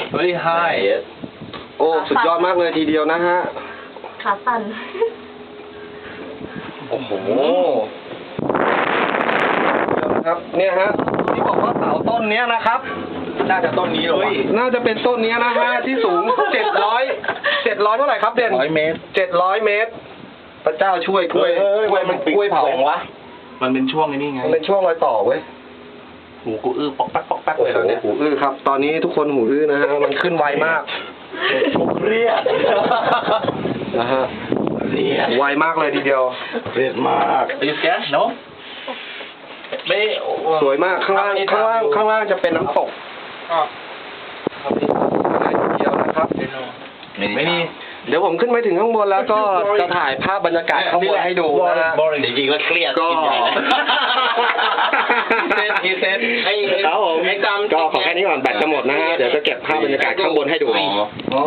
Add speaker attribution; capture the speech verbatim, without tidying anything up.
Speaker 1: very high
Speaker 2: โอ้สุดยอดมากเลยทีเดียวนะฮะ
Speaker 3: ขาสั่น
Speaker 2: โอ้โหเดี๋ยวนะครับเนี่ยฮะที่บอกว่าเสาต้นเนี้ยนะครับ
Speaker 1: น่าจะต้นนี้หรอวะ
Speaker 2: น่าจะเป็นต้นเนี้ยนะฮะที่สูงเจ็ดร้อยเจ็ดร้อยเท่าไหร่ครับเด่น
Speaker 1: ร้อยเมตร
Speaker 2: เจ็ดร้อยเมตร พระเจ้าช่วยกล้วยกล้วยมันกล้วยเผาวะ
Speaker 1: มันเป็นช่วงนี้ไง
Speaker 2: มันเป็นช่วงรอยต่อเว้ย
Speaker 1: หูกูอื้อปอกแป๊กปอกแป๊ก
Speaker 2: โอ้
Speaker 1: เลย
Speaker 2: โห
Speaker 1: เหรอเนี่ย
Speaker 2: หูอื้อครับ ตอนนี้ทุกคนหูอื้อนะฮะมันขึ้นไวมาก
Speaker 1: กูเครียด
Speaker 2: นะฮะ
Speaker 1: เครียด
Speaker 2: ไวมากเลยทีเดียว
Speaker 1: เครียดมาก Are you scared no ไม่
Speaker 2: สวยมากข้างล่างข้างล่างข้างล่างจะเป็นน้ำตก
Speaker 1: อ๋อ
Speaker 2: เดียวนะครับ
Speaker 1: ไม่นี่
Speaker 2: เดี๋ยวผมขึ้นไปถึงข้างบนแล้วก็จะถ่ายภาพบรรยากาศข้างบนให้ดูนะฮะ
Speaker 1: จริงๆแล้วเครียด
Speaker 2: ก็
Speaker 1: เซตทีเซตให้
Speaker 2: ครับผม
Speaker 1: ให้จำ
Speaker 2: ก็ขอแค่นี้ก่อนแบตจะหมดนะฮะเดี๋ยวจะเก็บภาพบรรยากาศข้างบนให้ดู